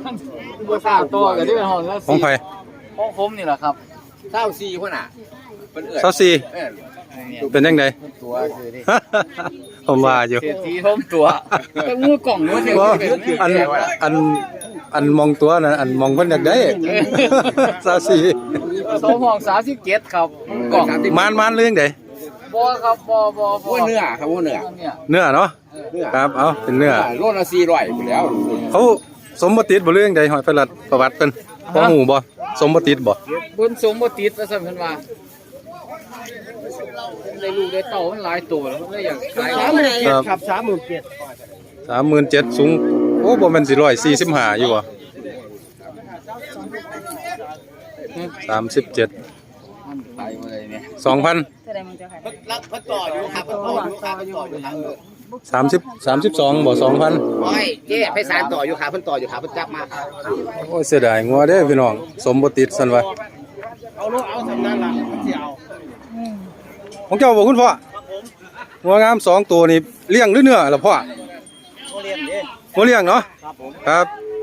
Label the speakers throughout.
Speaker 1: บัวข้าวตัวกับที่เป็นห้องแล้ว
Speaker 2: ของไผ
Speaker 1: ห้องผมนี่แหละครับ
Speaker 3: 24คนน่ะเพิ่นเอิ้น
Speaker 2: 24เป็นจังได๋
Speaker 1: ตัวคือนี่
Speaker 2: ผมว่าอยู่
Speaker 1: เศรษฐีท่มตัวก็งูกล่องงูเดียว
Speaker 2: บ่อันมองตัวนะอันมองเพิ่นอยากได้24
Speaker 1: สองห้อง37ครับกล่อง
Speaker 2: มานเรื่องใด
Speaker 1: บ่ครับบ่
Speaker 3: เนื้อครับเนื้อ
Speaker 1: เนี่ย
Speaker 2: เนื้อเนาะครับเอาเป็นเนื้อ
Speaker 3: โลละ400พุ่นแล้ว
Speaker 2: เขาสมบ่ติดบ่เรื่องใดหอยประหลัดประวัติเพิ่นบ่ฮู้บ่สมบ่ติดบ่
Speaker 1: บนสมบ่ติดว่าซั่นเพิ่นว่าได้ลูกได้เต้ามันหลายตัวแล้วเลยอยากขาย
Speaker 2: ครับ37,000สูงโอ้บ่แม่นสิ145อยู่บ่37
Speaker 1: มันขายบ่ได้เนี่ย
Speaker 2: 2,000
Speaker 4: แสดงมันจะขาย
Speaker 3: รับเพิ่นต่ออยู่ครับเพิ่นต่ออยู่ครับเพิ่นต่ออยู่ครับ
Speaker 2: 32บ่ 2,000
Speaker 3: โอ้ยเจ๊ไปสารต่ออยู่ครับเพิ่นต่ออยู่ครับเพิ่นจับมาครับ
Speaker 2: โอ้ยเสียดายงัวเด้อพี่น้องสมบ่ติดซั่นว่า
Speaker 3: เอาสำนั้นล่ะมันสิเอา
Speaker 2: ของเจ้าบ่คุณพ่องัวงาม2ตัวนี่เลี้ยงหรือเนื้อล่ะพ่อ
Speaker 3: เรียนเด้
Speaker 2: งัวเลี้ยงเนาะ
Speaker 3: ครับผม
Speaker 2: ครับ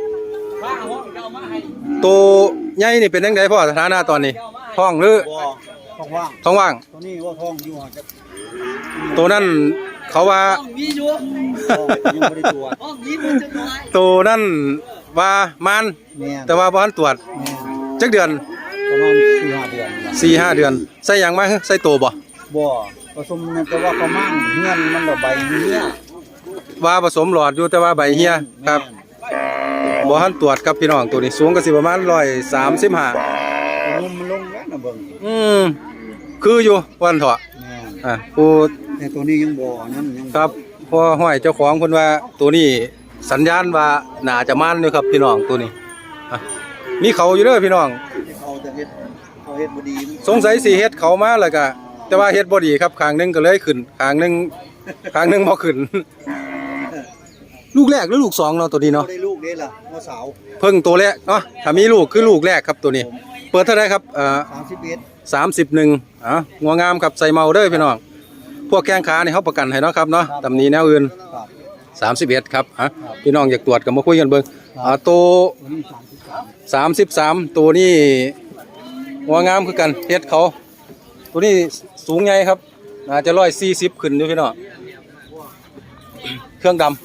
Speaker 2: ตัวใหญ่นี่เป็นจังไดพ่อสถานะตอนนี้ท้องหรือ
Speaker 3: บ่ท้องว่าง
Speaker 2: ท้องว่าง
Speaker 3: ตัวนี้ว่าท้องอยู่จะ
Speaker 2: ตัวนั้นเขาว่า
Speaker 3: มีอยู่ยังบ่ได้ตรวจมีบ่จังน้อย
Speaker 2: ตัวนั้นว่ามัน
Speaker 3: แม่น
Speaker 2: แต่ว่าบ่ทันตรวจจักเดือน
Speaker 3: ประมาณ4-5เดือน
Speaker 2: 4-5 เดือนใส่หยังมาใส่ตัวบ่
Speaker 3: บ่ผสมนั่นแต่ว่าประมาณเฮือนมันบ่ใบเหี้ย
Speaker 2: ว่าผสมหลอดอยู่แต่ว่าใบเหี่ยครับบ่ทันตรวจครับพี่น้องตัวนี้สูงก็สิประมาณ135
Speaker 3: มุมมันลงแล้วนะเบิ่ง
Speaker 2: คืออยู่วันเถาะ
Speaker 3: แม่น
Speaker 2: ผู้
Speaker 3: แต่ตัวนี้ยังบ่นั่นยัง
Speaker 2: ครับพอห้อยเจ้าของเพิ่นว่าตัวนี้สัญญาณว่าน่าจะมันอยู่ครับพี่น้องตัวนี้อ่ะมีเขาอยู่เด้อพี่น้อง
Speaker 3: เอาแต่เฮ็ดเขาเฮ็ดบ่ดี
Speaker 2: สงสัยสิเฮ็ดเขามาแล้วก็แต่ว่าเฮ็ดบ่ดีครับข้างหนึงก็เลยขึ้นข้างหนึงบ่ขึ้น ลูกแรกหรือลูกสองเนาะตัวนี้
Speaker 3: บ่
Speaker 2: เนาะ
Speaker 3: ได้ลูกเด้ล่ะหัวสาว
Speaker 2: เพิ่งตัวแรกเนาะถ้ามีลูกคือลูกแรกครับตัวนี้ เปิดเท่าไหร่ครับ
Speaker 3: 31
Speaker 2: 31งัวงามครับใส่เมาเด้อพี่น้องพวกแข้งขานี่เฮาประกันให้เนาะครับเนาะตำหนิแนวอื่น
Speaker 3: ครับ
Speaker 2: 31ครับพี่น้องอยากตรวจก็มาคุยกันเบิ่งตัว
Speaker 3: ตัวนี้
Speaker 2: 33ตัวนี้งัวงามคือกันเฮ็ดเขาตัวนี้สูงใหญ่ครับน่าจะ140ขึ้นอยู่พี่น้องเครื่องดำ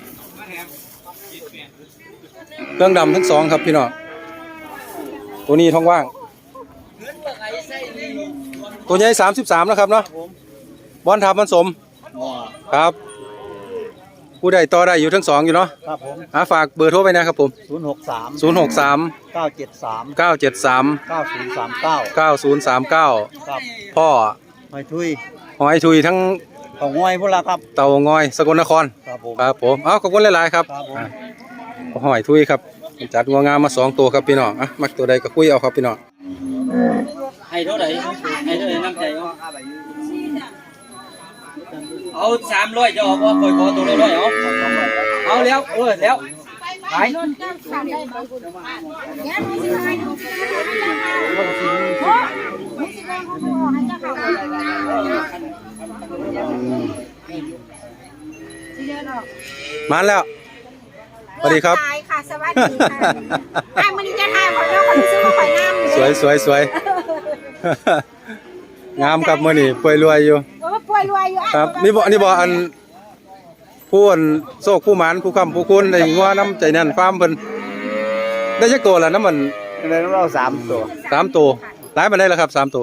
Speaker 2: ทั้งสองครับพี่น้องตัวนี้ท้องว่างตัวใหญ่33นะครับเนาะบอลทับมันสม
Speaker 3: อ๋อ
Speaker 2: ครับผู้ใดต่อได้อยู่ทั้งสองอยู่เนาะ
Speaker 3: ครับผม
Speaker 2: ฝากเบอร์โทรไปนะครับผม
Speaker 3: 063
Speaker 2: 063
Speaker 3: 973
Speaker 2: 973
Speaker 3: 9039
Speaker 2: 9039
Speaker 3: ครับ
Speaker 2: พ่อ
Speaker 3: หอยทุย
Speaker 2: หอยทุยทั้ง
Speaker 3: ของงอยพุ่นล่ะครับ
Speaker 2: เต่างอยสกลนคร
Speaker 3: ครับผม
Speaker 2: ครับผมขอบคุณหลายๆครับ
Speaker 3: ครับผม
Speaker 2: หอยทุยครับจัดงัวงามมา2ตัวครับพี่น้องมักตัวใดก็คุยเอาครับพี่น้อง
Speaker 1: ให้เท่าไหร่น้ำใจเอา300จะออกบ่ค่อยขอตัวละ100เอาแล้วแล้วขาย
Speaker 2: มาแล้วสวัสดีครับ
Speaker 4: ค่ะสวัสดีค่ะไอ้มันจะทายคนเราคนซื้อมาข่อยน้ำ
Speaker 2: สวยงามครับมื้อนี้ป่วยรวยอยู่
Speaker 4: ป่วยรวยอยู่
Speaker 2: ครับนี่บ่อันผู้อันโชคผู้หมานผู้ค้ำผู้คุณได้งัวน้ำใจแน่นฟาร์มเพิ่นได้จักตัวละน้ำมัน
Speaker 3: ได้เรา3ตัว
Speaker 2: 3ตัวหลายปานใดล่ะครับ3ตัว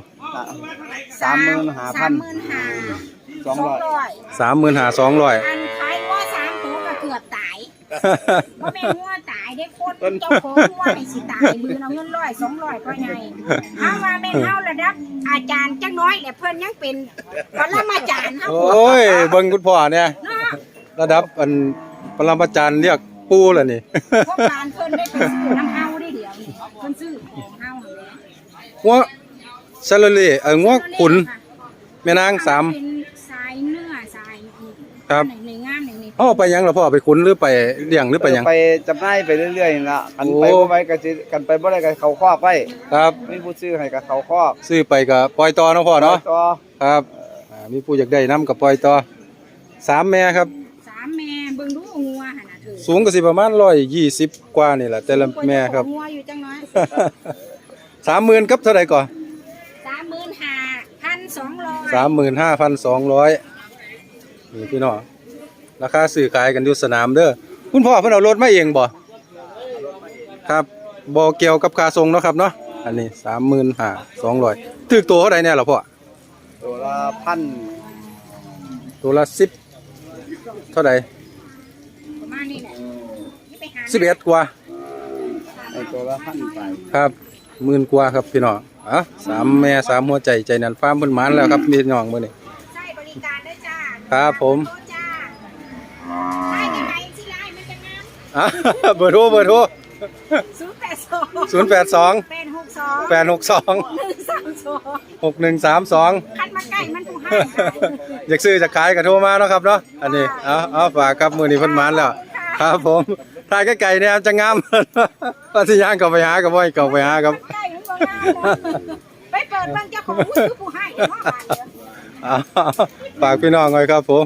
Speaker 3: 35,200
Speaker 2: 35,200
Speaker 4: อันขายว่า3ตัวก็เกือบตายบ่แม่นงัวตายได้คนเจ้าของงัวให้สิตายมือเอาเงิน100 200ก็ใหญ่เอาว่าแม่นเฮาระดับอาจารย์จักน้อยแหละเพิ่นยังเป็นปรมาจารย์เฮา
Speaker 2: โอ้ยเบิ่งคุณพ่อเนี่ยระดับอันปรมาจารย์เรียกปู่แล้วนี่
Speaker 4: พวกการเพิ่นได้ไปซื้อน้ำเฮาได้เดี๋ยวนี้เพิ่นซื้อของเฮาหั่นแหละ
Speaker 2: งัวซาลาเล่งัวขุนแม่นาง3
Speaker 4: เป็นสายเนื้อสาย
Speaker 2: ครับ
Speaker 4: ในงานนี้
Speaker 2: เอาไปยังล่ะพ่อไปขุนหรือไปเลี้ยงหรือไปยัง
Speaker 3: ไปจำหน่ายไปเรื่อยๆนี่ล่ะกันไป
Speaker 2: โอ้
Speaker 3: บ่ไว้ก็สิกันไปบ่ได้ก็เขาคอกไว้
Speaker 2: ครับ
Speaker 3: มีผู้ซื้อให้ก็เขาคอก
Speaker 2: ซื้อไปก็ปล่อยต่อเนาะพ่อเนาะ
Speaker 3: ต่อ
Speaker 2: ครับมีผู้อยากได้น้ำกับปล่อยต่อ3แม่ครับ
Speaker 4: 3 ามแม่เบิ่งดูงัวหั่นน่ะเธอ
Speaker 2: สูงก็สิประมาณ120กว่านี่แหละแต่ละแม่ครับ
Speaker 4: งัวอยู่จังน้อย
Speaker 2: 30,000ครับเท่าไหร่ก่อน
Speaker 4: 35,200
Speaker 2: นี่พี่น้องราคาซื้อขายกันอยู่สนามเด้อคุณพ่อเพิ่นเอารถมาเองบ่ครับบ่เกี่ยวกับค่าส่งเนาะครับเนาะอันนี้35,200ถูกตัวเท่าใดแน่ล่ะพ่อ
Speaker 3: ตัวละพัน
Speaker 2: ตัวละ10เท่าใด
Speaker 4: ประมาณนี้แหละนี่ไปหา
Speaker 2: 11กว่า
Speaker 3: ไอ้ตัวละพันไป
Speaker 2: ครับ10,000กว่าครับพี่น้อง3แม่3หัวใจใจนันฟาร์มเพิ่นหมานแล้วครับพี่น้องมื้อนี้
Speaker 4: ใช้บริการได้จ้า
Speaker 2: ครับผม
Speaker 4: โทรจ้าใช้ยังไงสิไลน์มันจะงาม
Speaker 2: เบอร์โทร
Speaker 4: 082
Speaker 2: 082
Speaker 4: 862
Speaker 2: 862
Speaker 4: 132
Speaker 2: 6132
Speaker 4: คันมาใกล้มันถูกให้
Speaker 2: อยากซื้อจะขายก็โทรมาเนาะครับเนาะอันนี้เอาฝากครับมื้อนี้เพิ่นหมานแล้ว ครับผมถ่ายไกลๆเนี่ยจะงาม ว่าสิย่างเข้าไปหาก็บ่ให้เข้าไปหาครับ
Speaker 4: ใกล้มันบ่งามนะไปเปิดเบิ่งเจ้าของผู้ซื้อผู้ให้เดี๋ยวว่าบาดเดียว
Speaker 2: เอาฝากพี่น้องไว้ครับผม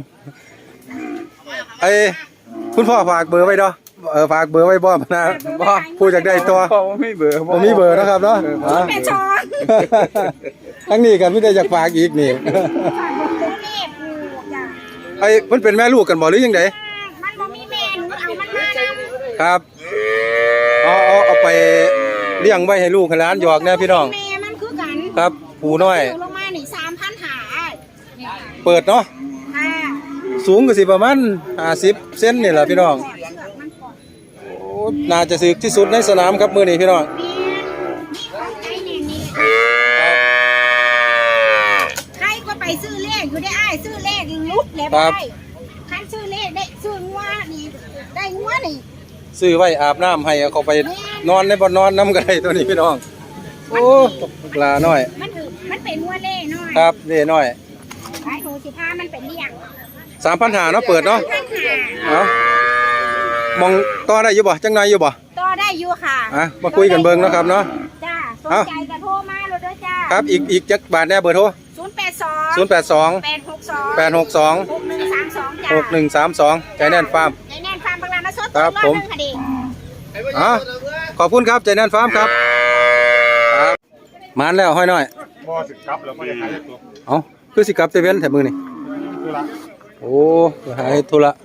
Speaker 2: คุณพ่อฝากเบอร์ไว้เนาะฝากเบอร์ไว้บ่นะบ่ผู้อยากได้ตัว
Speaker 3: พ่อไม่เบื่อ
Speaker 2: ผมมีเบอร์นะครับเนาะ
Speaker 4: เป็นช้อน
Speaker 2: ทั้งนี้กันไม่ได้อยากฝากอีกนี่
Speaker 4: ฝากบอกตัวเลขอยู่จ้ะ
Speaker 2: มันเป็นแม่ลูกกันบ่หรือยังไง
Speaker 4: มันบ่มีแม่หนูเอามันมานำ
Speaker 2: ครับเอาไปเลี้ยงไว้ให้ลูกให้หลานหยอกเนี่ยพี่น้อง
Speaker 4: แม่มันคือกัน
Speaker 2: ครับผูน้อย
Speaker 4: ลงมานี่3,000หาเนี่ย
Speaker 2: เปิดเนาะ
Speaker 4: ค่ะ
Speaker 2: สูงก็สิประมาณ50เซนนี่แหละพี่น้อง
Speaker 4: เชือกมันก่อน
Speaker 2: โอ้น่าจะสึกที่สุดในสนามครับมื้อนี้พี่น้อง
Speaker 4: แม่นี่ของใจแน่นี่ใครก็ไปซื้อเลขอยู่ได้อ้ายซื้อเลขลุกแล้วได้คันซื้อเลขได้ซื้องัวนี่ได้งัวนี่
Speaker 2: ซื้อไว้อาบน้ำให้เอาเขาไปนอนในบ่อนนอนน้ำก็ได้ตัวนี้พี่น้องโอ้ปลาน้อย
Speaker 4: มันเป็นงัวเล่น้อย
Speaker 2: ครับเล่น้อย
Speaker 4: ไอ้โหสิพามันเป็นเลี้ยง
Speaker 2: 3,500เนาะเปิดเนาะ
Speaker 4: 1,500
Speaker 2: เอามองต่อได้อยู่บ่จังหน่อยอยู่บ่
Speaker 4: ต่อได้อยู่ค่ะ
Speaker 2: มาคุยกันเบิ่งเนาะครับเนาะ
Speaker 4: จ้าสน
Speaker 2: เอ้า
Speaker 4: ใจก็โทรมาเลยด้วยจ้า
Speaker 2: ครับอีกจักบาทแน่เบอร์โทร
Speaker 4: 082
Speaker 2: 082
Speaker 4: 862
Speaker 2: 862
Speaker 4: 6132จ้า
Speaker 2: 6132ใจแน่นฟาร์ม
Speaker 4: ใจแน่นฟาร์มบางลามาสด
Speaker 2: ครับผม
Speaker 4: คดี
Speaker 2: ขอบคุณครับใจแน่นฟาร์มครับครับมานแล้วห้อยน้อย
Speaker 3: พ่อสึกครับแล้วพ่อจะขายตัว
Speaker 2: เอาคือสิกลับเตเว่นแถมมือนี่
Speaker 3: ตัวละ
Speaker 2: โอ้หายธุระ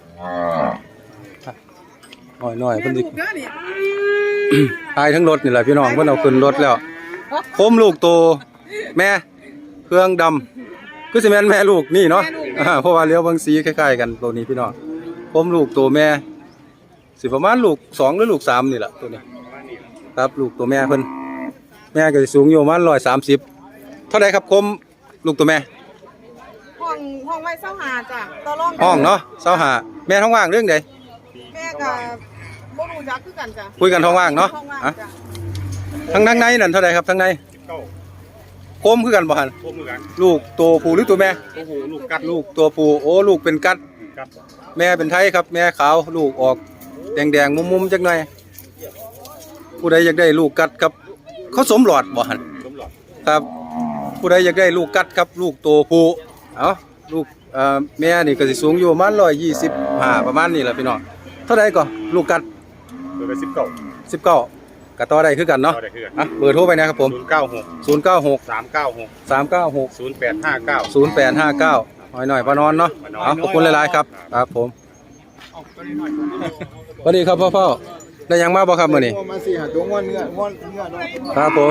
Speaker 2: น้อยเพิ่นสิหายทั้งรถนี่แหละพี่น้องเพิ่นเอาขึ้นรถแล้วโคมลูกโตแม่เครื่องดำคือสิแม่นแม่ลูกนี่เนาะเพราะว่าเลี้ยวเบิ่งสีคล้ายๆกันตัวนี้พี่น้องโคมลูกโตแม่สิประมาณลูก2หรือลูก3นี่แหละตัวนี้ครับลูกตัวแม่เพิ่นแม่ก็สิสูงอยู่ประมาณ130เท่าใดครับโคมลูกตัวแม่
Speaker 5: ห้องไว้เศร้าหาจ้ะต่อรอง
Speaker 2: ห้องเนาะ25แม่ท้องว่างเรื่องใด
Speaker 5: แม่กับบ่รู้จักคือกันจ้ะ
Speaker 2: คุยกันท้องว่างเนาะ
Speaker 5: ห้องว่าง
Speaker 2: อ่ะ
Speaker 5: จ้ะ
Speaker 2: ทั้งในนั่นเท่าไหร่ครับทั้งใน
Speaker 3: เก้า
Speaker 2: โคมคือกันบ่หัน
Speaker 3: พวกมือกัน
Speaker 2: ลูกตัวผู้หรือตัวแม่
Speaker 3: โอ้โหลูกกัด
Speaker 2: ลูกตัวผู้โอ้ลูกเป็นกัด
Speaker 3: กัด
Speaker 2: แม่เป็นไทยครับ แม่ขาวลูกออกแดงๆมุมๆจักหน่อยผู้ใดอยากได้ลูกกัดครับเขาสมหลอดบ่หัน
Speaker 3: สมหลอด
Speaker 2: ครับผู้ใดอยากได้ลูกกัดครับลูกตัวผู้เอาลูกแม่นี่ก็สิสูงอยู่ประมาณ125ประมาณนี้แหละพี่น้องเท่าใดก่อลูกกัด
Speaker 3: ตัวละ19
Speaker 2: 19ก็ต่อได้คือกันเนาะ
Speaker 3: ต่อได้คือกัน
Speaker 2: อ่ะเบอร์โทรไปนะครับผม
Speaker 3: 096
Speaker 2: 096
Speaker 3: 396
Speaker 2: 396
Speaker 3: 0859
Speaker 2: หน่อยพอนอนเนาะเอาขอบคุณหลายๆครับครับผมสวัสดีครับพ่อได้ยังมาบ่ครับมื้อนี้
Speaker 3: มาสิหาตัวงอนเนื้องอนเนาะ
Speaker 2: ครับผม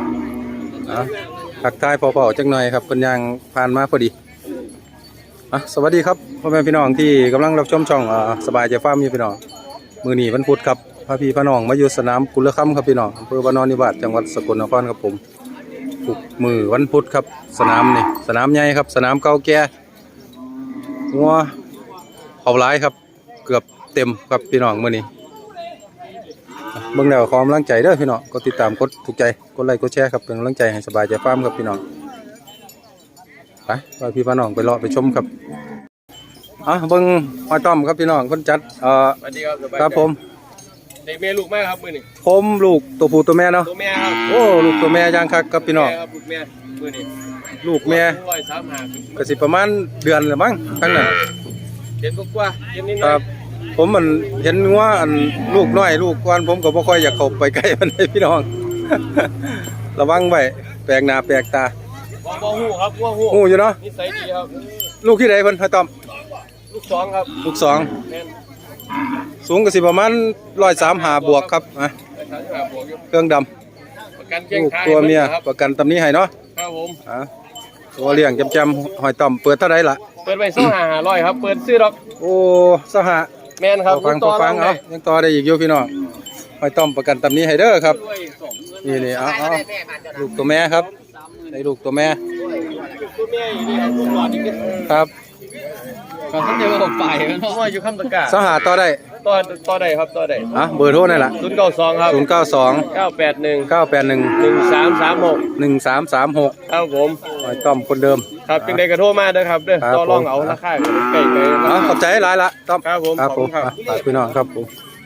Speaker 2: ทักทายพ่อๆจักหน่อยครับเพิ่นยังผ่านมาพอดีสวัสดีครับพ่อแม่พี่น้องที่กำลังรับชมช่องสบายใจฟาร์มอยู่พี่น้องมื้อนี้วันพุธครับพาพี่พาน้องมาอยู่สนามกุลคัมครับพี่น้องอำเภอบ้านนอนนิวาสจังหวัดสกลนครครับผมทุกมื้อวันพุธครับสนามนี่สนามใหญ่ครับสนามเก่าแก่งัวเอาหลายครับเกือบเต็มครับพี่น้องมื้อนี้เบิ่งแล้วขอกำลังใจเด้อพี่น้องกดติดตามกดถูกใจกดไลค์กดแชร์ครับเป็นกำลังใจให้สบายใจฟาร์มครับพี่น้องไปพี่น้องไปรอไปชมครับเบิ่งหอยต้อมครับพี่น้องคนจัด
Speaker 1: สวัสดีครับ
Speaker 2: ครับผม
Speaker 1: ได้แม่ลูกมากครับมื้อนี้
Speaker 2: ผมลูกตัวผู้ตัวแม่เนาะ
Speaker 1: ตัวแม่ครับ
Speaker 2: โอ้ลูกตัวแม่ย่างคักครับพี่น้อง
Speaker 1: ครับลูกแม่มื้อนี้
Speaker 2: ลูกแม่
Speaker 1: 135
Speaker 2: ก็สิประมาณเดือนละมั้งทั้งนั้น
Speaker 1: เห็นกว่าเห็นนิดห
Speaker 2: ค
Speaker 1: น่อ
Speaker 2: รั
Speaker 1: ย
Speaker 2: บ ผมมันเห็นว่าอันลูกน้อยลูกกวนผมก็บ่ค่อยอยากเข้าไปใกล้มันเลยพี่น้อง ระวังไว้แปลกหน้าแปลกตา
Speaker 1: ว่าหูครับว่าหู
Speaker 2: ฮู้อยู่เนาะ
Speaker 1: นิสัยดีครับ
Speaker 2: ลูกที่ใดเพิ่นให้ต้อม
Speaker 1: ลูกสองครับ
Speaker 2: ลูกสอง
Speaker 1: แม่น
Speaker 2: สูงก็สิประมาณ135บวกครับอ่ะ
Speaker 1: แต่ทางหาบวกอยู่
Speaker 2: เครื่องดำ
Speaker 1: ประกันเชียง
Speaker 2: ลูก
Speaker 1: คาย
Speaker 2: ตัวเมีย
Speaker 1: ครับ
Speaker 2: ประกันตำนี้ให้เนาะ
Speaker 1: ครับผม
Speaker 2: อ่ะตัวเลี้ยงจำๆหอยต้อมเปิดเท่าไหร่ล่ะ
Speaker 1: เปิดไป2,500ครับเปิดซื้อดอก
Speaker 2: โอ้สหะ
Speaker 1: แม่นครับ
Speaker 2: พอฟัง
Speaker 1: ต่
Speaker 2: เอายังต่อได้อีกอยู่พี่น้องหอยต้อมประกันตำนี้ให้เด้อครับนี่เอาลูกตัวแม่ครับได้ลูกตัวแม่
Speaker 1: ตัวแม่อยู่นี่ครับลูกหลอดนี่
Speaker 2: ครับ
Speaker 1: ก็ท่านเดียวกับฝ่ายเนาะว่าอยู่คำตะกา
Speaker 2: สหะต่อได้
Speaker 1: ต่อได้ครับต่อได้
Speaker 2: อ่ะเบอร์โทรนี่ล่ะ
Speaker 1: 092ครับ
Speaker 2: 092
Speaker 1: 981
Speaker 2: 981
Speaker 1: 1336
Speaker 2: 1336
Speaker 1: ครับผม
Speaker 2: หอยต้อมคนเดิม
Speaker 1: ครับจึงได้กระโทรมาเด้อครับเด้อ
Speaker 2: ครับ
Speaker 1: ต่อรองเอาราคาใกล้ๆ
Speaker 2: ขอบใจหลายละต้อม
Speaker 1: ครับผม
Speaker 2: ครับผม
Speaker 1: ขอบคุณครับ
Speaker 2: ฝากพี่น้องครับผม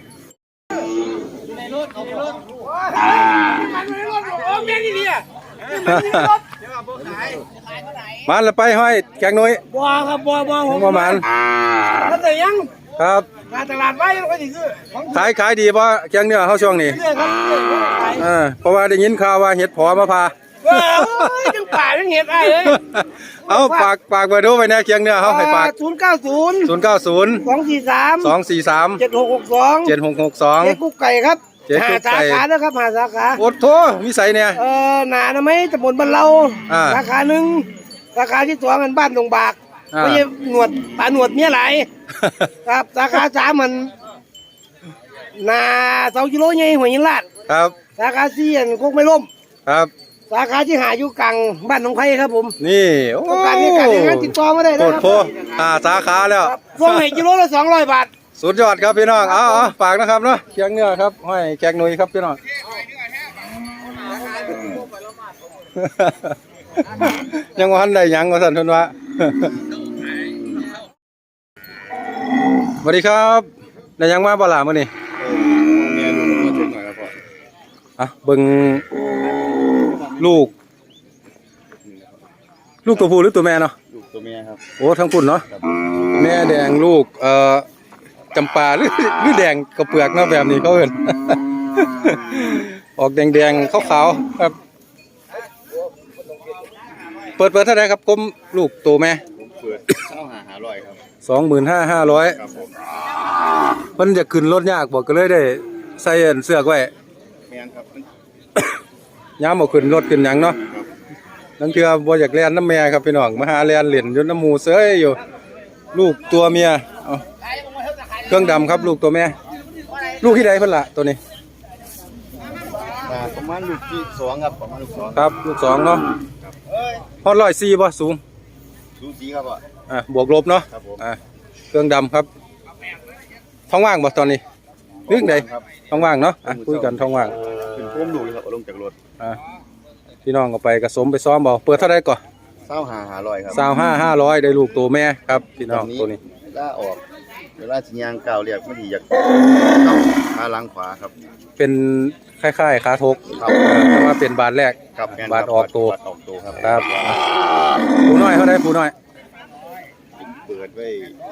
Speaker 2: มันละไปห้อยแกงน้อย
Speaker 3: บัวครับบัวผม
Speaker 2: ประมาณ
Speaker 3: แล้วแต่ยัง
Speaker 2: ครับ
Speaker 3: การตลาดไว้ก็สิซื้อของ
Speaker 2: ขายดีป่ะแกงเนื้อเฮาช่วงนี้
Speaker 3: เรื่อยครับเรื่อยขาย
Speaker 2: เพราะว่าได้ยินข่าวว่าเห็ดผอมาพา
Speaker 3: ว้าวจังป่าจังเห็ดไอ้เลย
Speaker 2: เอาฝากเบอร์โทรไว้นะแกงเนื้อเฮาให้ฝาก
Speaker 3: 090
Speaker 2: 090
Speaker 3: 243
Speaker 2: 243
Speaker 3: 7662
Speaker 2: 7662
Speaker 3: เจ๊กุ๊กไก่ครับ
Speaker 2: เจ๊กุ๊กไก่
Speaker 3: หาสาขานะครับหาสาขา
Speaker 2: โอดโทมีใส่เนี่ย
Speaker 3: หนานะไหมตำบลบ้านเรา
Speaker 2: อ่า
Speaker 3: สาขาหนึ่งสาขาที่สองมันบ้านดงบาก
Speaker 2: อ่า
Speaker 3: ไม่ใช่หนวดป่าหนวดเมียไหลายครับสาขาสามมันนา2 กิโลใหญ่หัวยินลาด
Speaker 2: ครับ
Speaker 3: สาขาสี่อันโคกไม่ล่ม
Speaker 2: ครับ
Speaker 3: สาขาที่หาอยู่กลางบ้านหนองไผ่ครับผม
Speaker 2: นี่โอ้
Speaker 3: ต้องการในการงานติดต่อมาได้
Speaker 2: โค
Speaker 3: นะ
Speaker 2: ตร
Speaker 3: ครับ
Speaker 2: โพสาขาแล้ว
Speaker 3: ครับส่งให้กิโลละ200 บาท
Speaker 2: สุดยอดครับพี่น้องเอาฝากนะครับเนาะเคียงเนื้อครับห้อยแกงหนุ่ยครับพี่น้อง ยังว่าทันได้หยังว่าสั่นทุนว่า สวัสดีครับได้หยังมาบ่ล่ะมื้อนี้เบิ่งลูกตัวผู้หรือตัวแม่เนาะ
Speaker 3: ลูกตัวเมียครับ
Speaker 2: โอ้ทั้งพุ่นเนาะแม่แดงลูกจำปาหรือแดงกระเปลือกเนาะแบบนี้เขาเอิ้น ออกแดงๆขาวๆครับเปิดเท่าไหร่ครับกลมลูกตัวแม่
Speaker 3: เปิด500ครับ
Speaker 2: 25,500
Speaker 3: ครับผม
Speaker 2: เพิ่นจะขึ้นรถยากบ่ก็เลยได้ใส่อันเสื้อไว้
Speaker 3: แม่นครับ
Speaker 2: ยามบ่ขึ้นรถขึ้นหยังเนาะนั่นคือบ่อยากแล่นน้ำแม่ครับพี่น้องมาหาแล่นเล่นอยู่น้ำหมู่เสยอยู่ ลูกตัวเมียเอาเครื่องดำครับลูกตัวแม่ ลูกที่ใดเพิ่นล่ะตัวนี้
Speaker 3: ประมาณลูกที่2ครับประมาณลูก2
Speaker 2: ครับลูก2เนาะฮอด104บ่สูง
Speaker 3: สูสีครับอ่ะ
Speaker 2: บวกลบเนาะ
Speaker 3: ครับผม
Speaker 2: เครื่องดำครับท้องว่างบ่ตอนนี้เรื่องใด
Speaker 3: ครับ
Speaker 2: ท้องว่างเนาะคุยกันท้องว่าง
Speaker 3: เป็นพุ่มลูกเลยครับเอาลงจากรถ
Speaker 2: พี่น้องก็ไปกระสมไปซ้อมบ่เปิดเท่าไหร่ก่อน
Speaker 3: 500ครับ
Speaker 2: 25,500ได้ลูกตัวแม่ครับพี่น้องตัวนี้
Speaker 3: ล่าออกเวลาสิยางก้าวเรียกไม่ดีอยากขาหลังขวาครับ
Speaker 2: เป็นคล้ายๆขาทก
Speaker 3: ครับ
Speaker 2: แต่ว่าเป็นบาทแรก
Speaker 3: ครับแม่น
Speaker 2: บาทออกตัว
Speaker 3: บาทออกตัวครับ
Speaker 2: ครับผู้น้อยเท่าไหร่ผู้น้อย
Speaker 3: เปิดไว้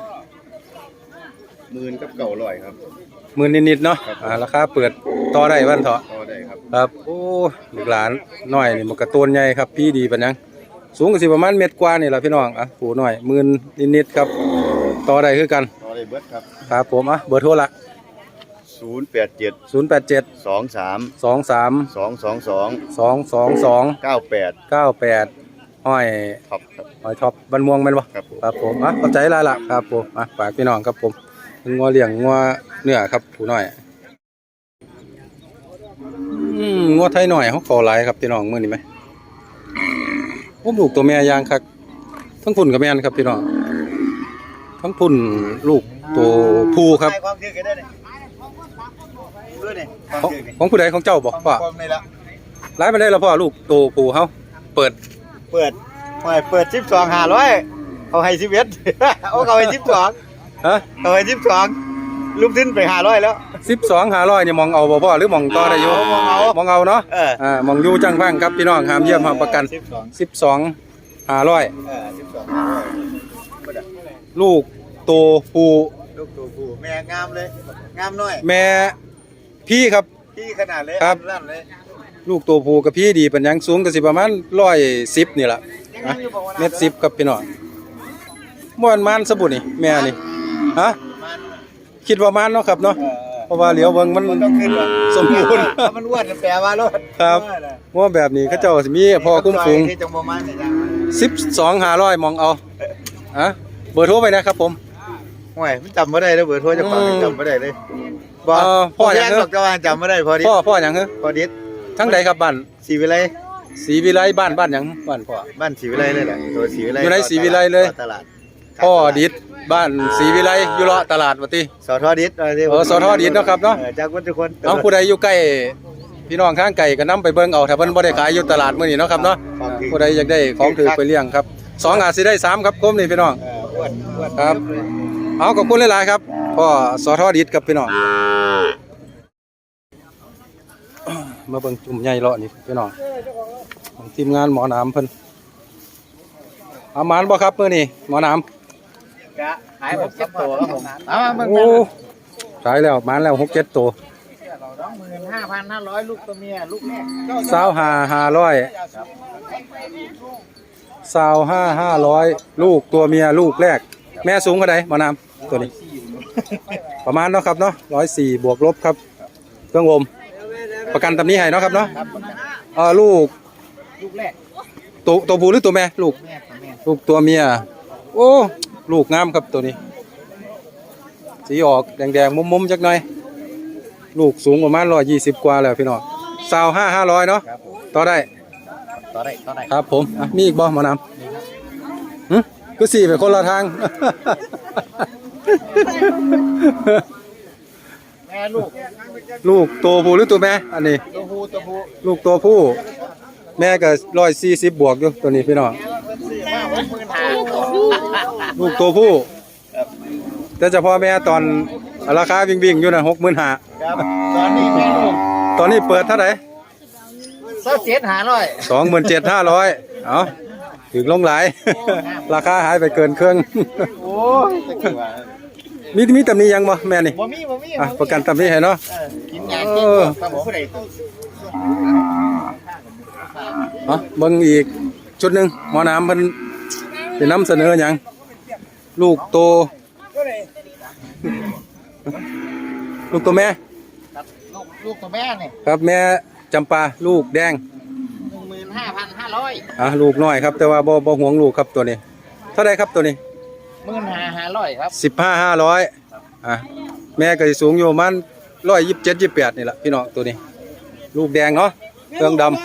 Speaker 3: 10,000กับ900ครับ
Speaker 2: หมื่นนิดๆเนาะ
Speaker 3: ครับ
Speaker 2: ราคาเปิดต่อได้บ้านเถาะ
Speaker 3: พอได้ครับ
Speaker 2: ครับโอ้ลูกหลานน้อยนี่มันกระต้นใหญ่ครับพี่ดีปานยังสูงก็สิประมาณเมตรกว่านี่แหละพี่น้องผู้น้อยหมื่นนิดๆครับต่อได้คือกัน
Speaker 3: พอได้เบิดครับ
Speaker 2: ครับผมเบอร์โทรละ
Speaker 3: 087
Speaker 2: 087
Speaker 3: 23
Speaker 2: 23
Speaker 3: 222
Speaker 2: 222
Speaker 3: 98
Speaker 2: 98ห้อย
Speaker 3: ครับครับ
Speaker 2: หอยท็อปบันม่วงแม่นบ่
Speaker 3: ครับผม
Speaker 2: ครับผมเข้าใจแล้วล่ะครับผมฝากพี่น้องครับผมงัวเลี้ยงงัวเนื้อครับผู้น้อยงัวไทยหน่อยเขาขอหลายครับพี่น้องมื้อนี้ไหมผมลูกตัวแม่ย่างคักทั้งพุ่นกับแม่นครับพี่น้องทั้งพุ่นลูกตัวผู้ครับ
Speaker 3: ความถือกันได้นี่ด้วยนี่ความ
Speaker 2: ของ
Speaker 3: ถือนี่
Speaker 2: ของผู้ใดของเจ้าบ่พ่อ
Speaker 3: ความนี่ละ
Speaker 2: หลายไปได้แล้วพ่อลูกตัวผู้เฮาเปิด
Speaker 3: เปิด12,500เขาให้11 เขาให้12
Speaker 2: ฮะ
Speaker 3: เขาให้12ลูกขึ้นไป500แล้ว
Speaker 2: 12,500นี่มองเอาบ่พ่อหรือมองต่อได้อยู่
Speaker 3: มองเอา
Speaker 2: มองเอาเนาะ
Speaker 3: เ
Speaker 2: มองอยู่จังฟังครับพี่น้องห้ามเยี่ยมห้ามประกัน
Speaker 3: 12
Speaker 2: 12,500
Speaker 3: 12
Speaker 2: ลูกตัวผู้
Speaker 6: ลูกตัวผู้แม่งามเลยงามน้อย
Speaker 2: แม่พี่ครับ
Speaker 6: พี่ขนาดเลย
Speaker 2: ครับ
Speaker 6: ลั่นเลย
Speaker 2: ลูกตัวผู้กับพี่ดีเป็นหยังสูงก็สิประมาณ110นี่ล่ะนะ110ครับพี่น้องม่วนมันสบุนี่แม่นี่ฮะคิดว่ามันเนาะครับเนาะเพราะว่าเหลียวเบิ่งมัน
Speaker 6: ต้องขึ้นหรอก
Speaker 2: สมบูรณ์
Speaker 6: ถ้ามันอ้วนแปลว่าโลด
Speaker 2: ครับว่าแบบนี้เขาเจ้าสิมีพอคุ้มฝูง
Speaker 6: ที่จังบ่มันนี่จ้ะ
Speaker 2: 12,500มองเอาอะเบอร์โทรไปนะครับผม
Speaker 6: ห่วยมันจำบ่ได้แล้วเบอร์โทรเจ้าของยังจำบ่ได้เลยบ่
Speaker 2: พ่อหยัง
Speaker 6: แบอกเจ้าว่าจำบ่ได้พอดิ
Speaker 2: พ่อหยังเหรอ
Speaker 6: พอดิษ
Speaker 2: ทั้งใดครับบ้าน
Speaker 6: ศรีวิไล
Speaker 2: ศรีวิไลบ้านหยังบ้านพ่อ
Speaker 6: บ้านศรีวิไลเลยแหละตัวศรีวิไล
Speaker 2: อยู่ในศรีวิไลเลย
Speaker 6: ตลาด
Speaker 2: พ่อดิษบ้านศรีวิไลอยู่เลาะตลาดว่าติ
Speaker 6: สทดิษ
Speaker 2: สทดิษเนาะครับเนาะ
Speaker 6: จากทุกคน
Speaker 2: เอาผู้ใดอยู่ใกล้พี่น้องข้างไก่ก็นํไปเบิ่งเอาถ้าเพิ่นบ่ได้ขายอยู่ตลาดมื้อนี้เนาะครับเนาะผู้ใดอยากได้ของถือไปเลี้ยงครับ2อาจสิได้3ครับคมนี่พี่น้อง
Speaker 6: อ้วน
Speaker 2: ครับ เอาขอบคุณหลายๆครับพ่อสทดิษครับพี่น้องมาเบิ่งจุ่มใหญ่เลาะนี่พี่น้องของทีมงานหมอหนามเพิ่นเอาหมานบ่ครับมื้อนี้หมอหนาม
Speaker 6: ขายผม7ตัวครับผมเอามา
Speaker 2: โอ้ขายแล้วหมานแล้ว6-7ตัว
Speaker 6: 25,500ลูกตัวเมียลูกแรก
Speaker 2: 25,500ลูกตัวเมียลูกแรก แม่สูงเท่าใดหมอหนามตัวนี้ ประมาณเนาะครับเนาะ104บวกลบครับเครื่องอมประกันตำนี้ให้เนาะครับเนาะลูก
Speaker 6: ลูกแรก
Speaker 2: ตัวผู้หรือตัวแม่ลูก
Speaker 6: แม่ตัวแม่
Speaker 2: ลูกตัวเมียโอ้ลูกงามครับตัวนี้สีออกแดงๆมุมๆจักหน่อยลูกสูงประมาณ120กว่าแล้วพี่น้อง25,500เนาะ
Speaker 6: ครับผม
Speaker 2: ต่อได้
Speaker 6: ต่อได้
Speaker 2: ครับผมมีอีกบ่หมอนำคือสี่ไปคนละทาง
Speaker 6: แม่ลูก
Speaker 2: ลูกตัวผู้หรือตัวแม่อันนี้
Speaker 6: ตัวผู้
Speaker 2: ลูกตัวผู้แม่ก็140บวกอยู่ตัวนี้พี่น้อง
Speaker 6: ซื้อมา65,000
Speaker 2: ลูกตัวผู้แต่เฉพาะแม่ตอนราคาวิ่งๆอยู่นะ65,000
Speaker 6: ครับตอนนี้แม่ลูก
Speaker 2: ตอนนี้เปิดเท่าไหร่
Speaker 6: 27,500
Speaker 2: 27,500เอาถึงลงหลาย ราคาหายไปเกินเครื่อง
Speaker 6: โอ้ยตะกี้ว่า
Speaker 2: มีตำหนี้ยังบ่แม่นี่
Speaker 6: บ่มี
Speaker 2: ประกันตำหนี้ให้เนาะ
Speaker 6: กินยากินครับผมผู้ใด
Speaker 2: เบิ่งอีกชุดหนึงหมอน้ำเพิ่นสินำเสนอหยังลูกโตลูกตัวแม่
Speaker 6: ลูกตัวแม่นี่
Speaker 2: ครับแม่จำปาลูกแดง
Speaker 6: 15,500
Speaker 2: ลูกน้อยครับแต่ว่าบ่ห่วงลูกครับตัวนี้เท่าไรครับตัวนี้
Speaker 6: 15,500ครับ
Speaker 2: 15,500แม่ก็สิสูงอยู่ประมาณ127-128นี่แหละพี่น้องตัวนี้ ลูกแดงเนาะเครื่องดำ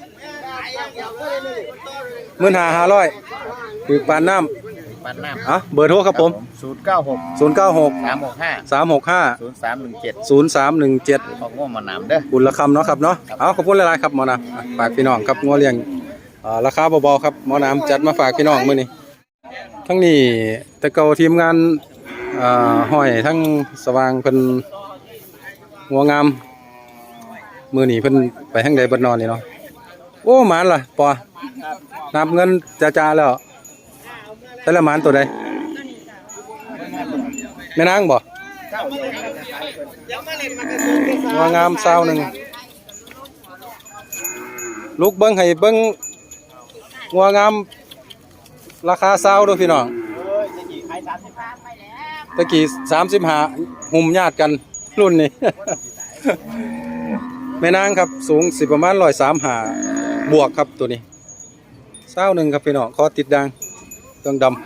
Speaker 2: 15,500คือปานน้ำ
Speaker 6: ปันน้ำ
Speaker 2: เบอร์โทรครับผม
Speaker 6: 096
Speaker 2: 096
Speaker 6: 365
Speaker 2: 365
Speaker 6: 0317 ของง่วงมาน้ำเด้อ
Speaker 2: บุญละคำเนาะครับเนาะเอาขอบคุณหลายๆครับหมอน้ำฝากพี่น้องครับงัวเลี้ยงราคาเบาๆครับหมอน้ำจัดมาฝากพี่น้องมื้อนี้ทั้งนี้แต่เก่าทีมงานห้อยทั้งสว่างเพิ่นงัวงามมื้อนี้เพิ่นไปทางใดบ่นอนนี่เนาะโอ้หมานล่ะปอนับเงินจ้าๆแล้วแต่ละหมานตัวใดแม่นางบ่งัวงามซาวหนึงลูกเบิ้งให้เบิ้งงัวงามราคาซาวด้วยพี่น้องตะกี้35หุ่มญาติกันรุ่นนี้ แม่นางครับสูงสิประมาณ135บวกครับตัวนี้ซาวหนึงครับพี่น้องคอติดดังเครื่องดำ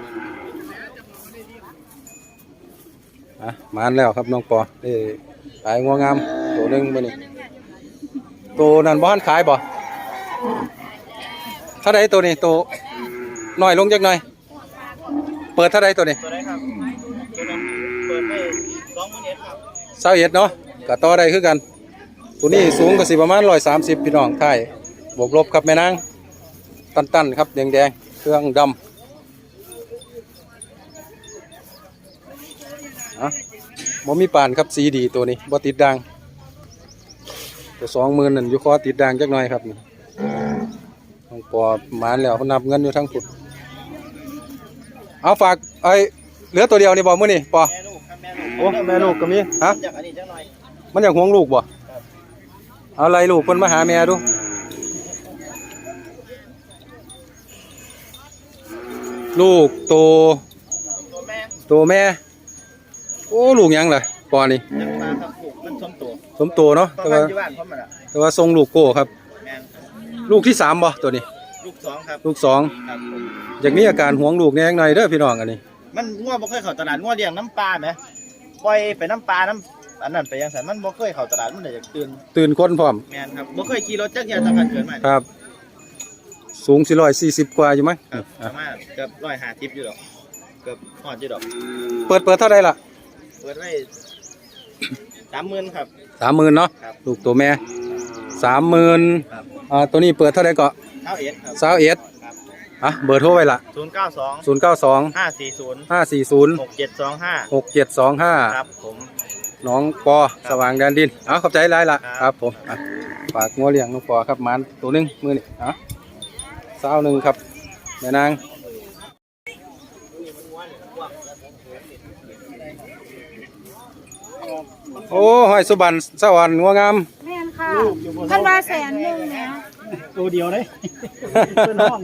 Speaker 2: มานแล้วครับน้องปอได้ขายงัวงามตัวหนึงมื้อนี้ตัวนั้นบ่ทันขายบ่เท่าใดตัวนี้ตัวน้อยลงจักหน่อยเปิดเท่าใดตัวนี้ตัวใดครับตัวนั้นเปิดได้21,000ครับ21เนาะก็ต่อได้คือกันตัวนี้สูงก็สิประมาณ130พี่น้องท้ายบวกลบครับแม่นางตันๆครับแดงๆเครื่องดำบ่มีปานครับสีดีตัวนี้บ่ติดด่างตัว20,000นั่นอยู่คอติดด่างจักหน่อยครับนี่ต้องปอหมานแล้วเขานับเงินอยู่ทั้งพุดเอาฝากเหลือตัวเดียวนี่บ่มื้อนี่ปอ
Speaker 6: แม่ลูกครับแม่ลูก
Speaker 2: โอ้แม่ลูกก็มีฮะ
Speaker 6: จากอันนี้จังหน่อย
Speaker 2: มันอยากห่วงลูกบ่เอาอะไรลูกเพิ่นมาหาแม่ดูลูกโตแม่โอ้ลูกหยังล่ะปอนี่
Speaker 6: จังมาครับลูกมันสมโต
Speaker 2: สมโตเนาะ
Speaker 6: ประมาณอยู่บ้านพร้อมมันอ่ะ
Speaker 2: แต่ว่าทรงลูกโก้ครับ
Speaker 6: แม่น
Speaker 2: ลูกที่3บ่ตัวนี้
Speaker 6: ลูก2ครับ
Speaker 2: ลูก
Speaker 6: ครับผม
Speaker 2: 2อย่างนี้อาการห่วงลูกแหน่หน่อยเด้อพี่น้องอันนี้
Speaker 6: มันงัวบ่เคยเข้าตลาดงัวเลี้ยงน้ำปลาไหมปล่อยไปน้ำปลาน้ำอันนั้นไปยังสันมันบ่เคยเข้าตลาดมันเลยอยากตื่น
Speaker 2: คนพร้อม
Speaker 6: แม่นครับบ่เคยขี่รถจักรยานทำการเกิดมา
Speaker 2: ครับ สูง440กว่าอยู่มั้ง
Speaker 6: ครับประมาณเกือบ150อยู่ดอกเกือบฮอดอยู่ดอก
Speaker 2: เปิดเท่าไหร่ล่ะ
Speaker 6: เปิดไว้30,000ครับ
Speaker 2: 30,000เนาะ
Speaker 6: ครับ
Speaker 2: ลูกตัวแม่30,000
Speaker 6: ครับ
Speaker 2: ตัวนี้เปิดเท่าไหร่ก็
Speaker 6: เท่าเอ็ดครับ
Speaker 2: 21
Speaker 6: ครับ
Speaker 2: เบอร์โทรไว้ล่ะ
Speaker 6: 092
Speaker 2: 092
Speaker 6: 540
Speaker 2: 540
Speaker 6: 6725
Speaker 2: 6725
Speaker 6: ครับผม
Speaker 2: น้องปอสว่างแดนดินขอบใจหลายล่ะ
Speaker 6: ครับ
Speaker 2: ครับผมฝากงัวเลี้ยงน้องปอครับหมันตัวหนึงมื้อนี้21ครับแม่นางโอ้ห้อยสุบันสวรรค์งัวงาม
Speaker 4: แม่นค่ะท่านว่า100,000นะ
Speaker 3: ตัวเดียวเลยเป็นห้อง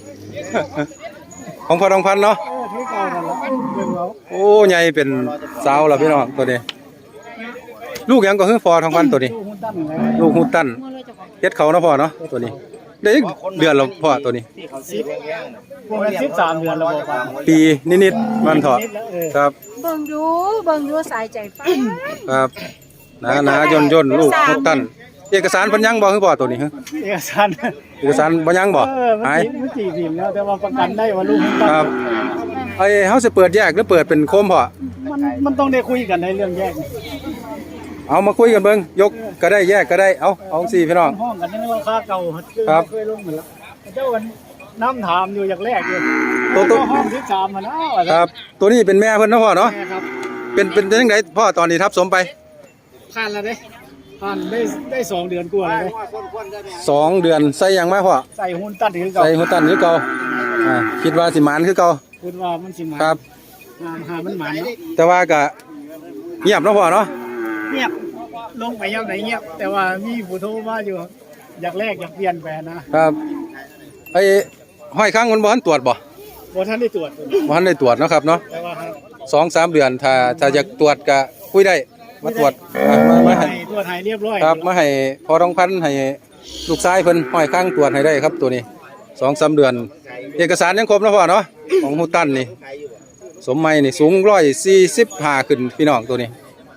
Speaker 2: ของพ่อทองพันเนาะ
Speaker 3: ที่เก่านั่นแหละเบิ่งเอา
Speaker 2: โอ้ใหญ่เป็นสาวแล้วพี่น้องตัวนี้ ลูกหยังก็คือพ่อทองพันตัวนี้
Speaker 3: ตู้หุ้นตั้นเลย
Speaker 2: ลูกฮูตันเฮ็ดเขาเนาะพ่อเนาะตัวนี้ได้อีกเดือนแล้วพ่อตัวนี้
Speaker 3: พวกนั้น13 เดือนแล้วบอกว่า
Speaker 2: ปีนิดๆมันเถาะครับ
Speaker 4: เบิ่งดูสายใจฟ้า
Speaker 2: ครับหนาย่นลูกฮูตันเอกสารเพิ่นยังบ่คือพ่อตัวนี้ฮะ
Speaker 3: เอกสาร
Speaker 2: เอกสารบ่ยังบ่
Speaker 3: มัน
Speaker 2: หาย
Speaker 3: มันจีพิมพ์แล้วแต่ว่าประกันได้ว่าลูกหุ้นตั้น
Speaker 2: ครับเฮาสิเปิดแยกหรือเปิดเป็นโคมพ่อ
Speaker 3: มันต้องได้คุยกันในเรื่องแยก
Speaker 2: เอามาคุยกันเบิ่งยกก็ได้แยกก็ได้เอาสิพี่น้อง
Speaker 3: ห้องกันในราคาเก่า
Speaker 2: ครับ
Speaker 3: เคยลงหมดแล้วเจ้าวันน้ำถามอยู่อย่างแรกเลย
Speaker 2: ตัว
Speaker 3: ห้อง13มันอ้าว
Speaker 2: ครับ ตัวนี้เป็นแม่เพิ่นเนาะพ่อเนาะ
Speaker 3: แม่ครับ
Speaker 2: เป็นจังไดพ่อตอนนี้ทับสมไป
Speaker 3: ผ่านแล้วเด้ผ่านได้2 เดือนกว่าแล้วเด้
Speaker 2: 2 เดือนใส่หยังมาพ่อ
Speaker 3: ใส่หุ้นตั้นคือเก่า
Speaker 2: ใส่ฮูตันคือเก่าคิดว่าสิหมานคือเก่า
Speaker 3: คุณว่ามันสิมา
Speaker 2: ครับ
Speaker 3: หามันหมานเนาะ
Speaker 2: แต่ว่าก็เงียบเนาะพ่อเนาะ
Speaker 3: เงียบลงไปยังไหนเงียบ แต่ว่ามีผู้โทรมาอยู่ อยากแลกอยากเปลี่ยนแปลงนะครับ
Speaker 2: ห้อยข้างมันบ่ทันตรวจบ่
Speaker 3: บ่ทันได้ตรวจ
Speaker 2: บ่ทันได้ตรวจเนาะครับเนาะ
Speaker 3: แต่ว่าครับ
Speaker 2: 2-3 เดือนถ้าอยากตรวจก็คุยได้มาตรวจมาให้
Speaker 3: ตรวจให้เรียบร้อย
Speaker 2: ครับมาให้พอทองพันให้ลูกชายเพิ่นห้อยข้างตรวจให้ได้ครับตัวนี้ 2-3 เดือน เอกสารยังครบเนาะพ่อเนาะของฮูตันนี่สมไม้นี่สูง145ขึ้นพี่น้องตัวนี้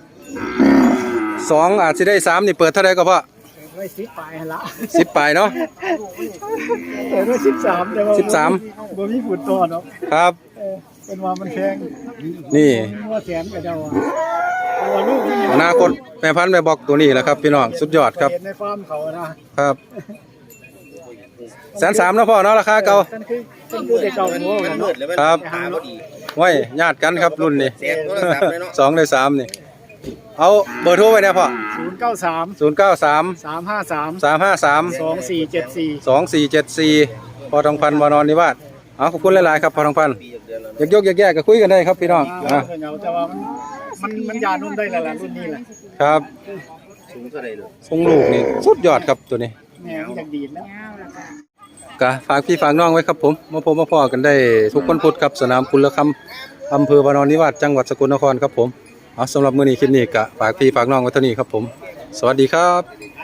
Speaker 2: 2อาจสิได้3นี่เปิดเท่าใดก็พ่อ
Speaker 3: ไว้10 ปลายหั่นละ
Speaker 2: 10ปลายเนาะ
Speaker 3: เปิดไว้13แต่ว่า
Speaker 2: 13
Speaker 3: บ่มีผู้ตรวจเนาะ
Speaker 2: ครับ
Speaker 3: เป็นว่ามันแพง
Speaker 2: นี่
Speaker 3: ว่าแสนก็เจ้าว่าเพราะว่าลูกนี่
Speaker 2: อนาคตแม่พันธุ์แม่บอกตัวนี้แหละครับพี่น้องสุดยอดครับ
Speaker 3: เห็นในฟาร์มเขานะครับ
Speaker 2: 130,000เนาะพ่อเนาะราคาเก่า
Speaker 3: ท่านคือแต่เก่าหัวกันเนาะ
Speaker 2: ครับไว้ญาติกันครับรุ่นนี้ 2 ใน 3นี่เอาเบอร์โทรไว้นะพ่อ
Speaker 3: 093
Speaker 2: 093
Speaker 3: 353
Speaker 2: 353
Speaker 3: 2474
Speaker 2: 2474พอทองพันธุ์วานอนนิวาสขอบคุณหลายๆครับพอทองพันธุ์อยากยกอยากแยกก็คุยกันได้ครับพี่น้อง
Speaker 3: แต่ว่ามันยานุ่มได้แล้วล่ะรุ่นนี้แหละ
Speaker 2: ครับทรงลูกนี่สุดยอดครับตัวนี้
Speaker 3: แม่มันยังดีดแล้ว
Speaker 2: ก็ฝากพี่ฝากน้องไว้ครับผมมาพบมาพอกันได้ทุกวันพุธครับสนามกุลคำอำเภอวานอนนิวาสจังหวัดสกลนครครับผมสำหรับมื้อนี้คลิปนี้ก็ฝากพี่ฝากน้องไว้เท่านี้ครับผมสวัสดีครับ